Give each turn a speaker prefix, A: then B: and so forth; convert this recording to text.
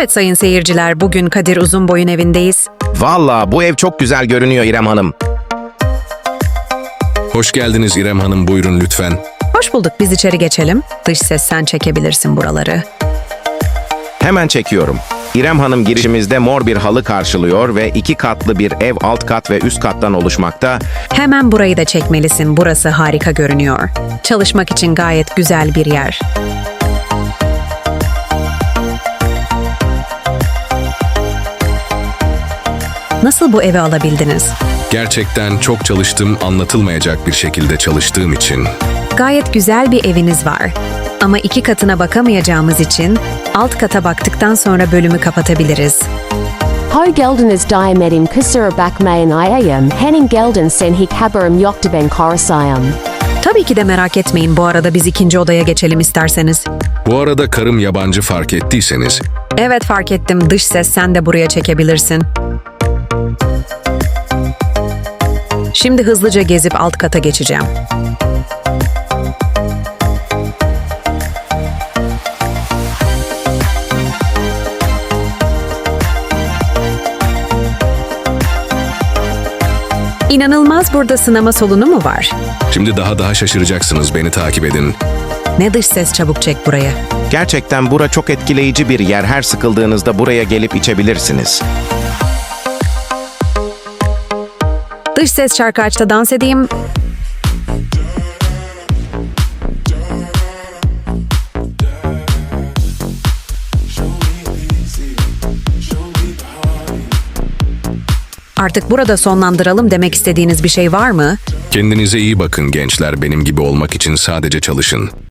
A: Evet sayın seyirciler, bugün Kadir Uzunboy'un evindeyiz.
B: Valla bu ev çok güzel görünüyor İrem Hanım.
C: Hoş geldiniz İrem Hanım, buyurun lütfen.
A: Hoş bulduk, biz içeri geçelim. Dış ses sen çekebilirsin buraları.
B: Hemen çekiyorum. İrem Hanım girişimizde mor bir halı karşılıyor ve 2 katlı bir ev alt kat ve üst kattan oluşmakta.
A: Hemen burayı da çekmelisin, burası harika görünüyor. Çalışmak için gayet güzel bir yer. Nasıl bu evi alabildiniz?
C: Gerçekten çok çalıştım, anlatılmayacak bir şekilde çalıştığım için.
A: Gayet güzel bir eviniz var. Ama 2 katına bakamayacağımız için alt kata baktıktan sonra bölümü kapatabiliriz.
D: Ho geldiniz diamedim kusura bakmayan iyayım, henin gelden sen hi kabarım yoktu ben korusayım.
A: Tabii ki de merak etmeyin, bu arada biz ikinci odaya geçelim isterseniz.
C: Bu arada karım yabancı, fark ettiyseniz.
A: Evet fark ettim, dış ses sen de buraya çekebilirsin. Şimdi hızlıca gezip alt kata geçeceğim. İnanılmaz, burada sinema salonu mu var?
C: Şimdi daha şaşıracaksınız, beni takip edin.
A: Ne dış ses, çabuk çek buraya.
B: Gerçekten bura çok etkileyici bir yer. Her sıkıldığınızda buraya gelip içebilirsiniz.
A: Dış ses şarkı aç da dans edeyim. Artık burada sonlandıralım, demek istediğiniz bir şey var mı?
C: Kendinize iyi bakın gençler, benim gibi olmak için sadece çalışın.